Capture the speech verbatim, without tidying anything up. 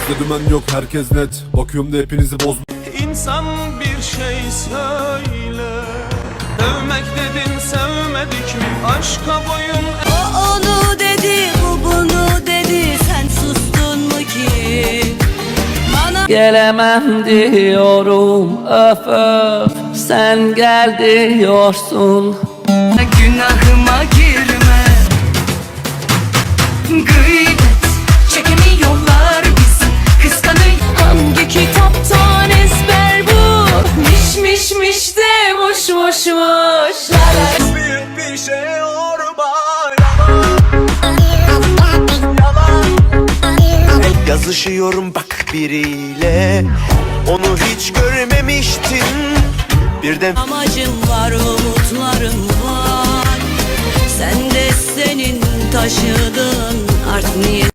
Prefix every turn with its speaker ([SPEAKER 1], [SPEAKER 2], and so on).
[SPEAKER 1] Bizde dümen yok, herkes net. Bakıyorum da hepinizi bozma.
[SPEAKER 2] İnsan bir şey söyle. Dövmek dedin, sevmedik mi? Aşka boyun.
[SPEAKER 3] O onu dedi, bu bunu dedi. Sen sustun mu ki? Bana
[SPEAKER 4] Gelemem diyorum, öf öf. Sen gel diyorsun.
[SPEAKER 3] günahıma girme. Gıybet çekemiyorlar bizi. Kıskanıyor. Hangi kitaptan ezber bu? Miş miş miş de muş muş muş.
[SPEAKER 2] Büyük bir şey orma.
[SPEAKER 5] Yazışıyorum bak biriyle, onu hiç görmemiştim. Birden
[SPEAKER 3] Amacım var, umutlarım var. Sen de senin taşıdığın art niyet.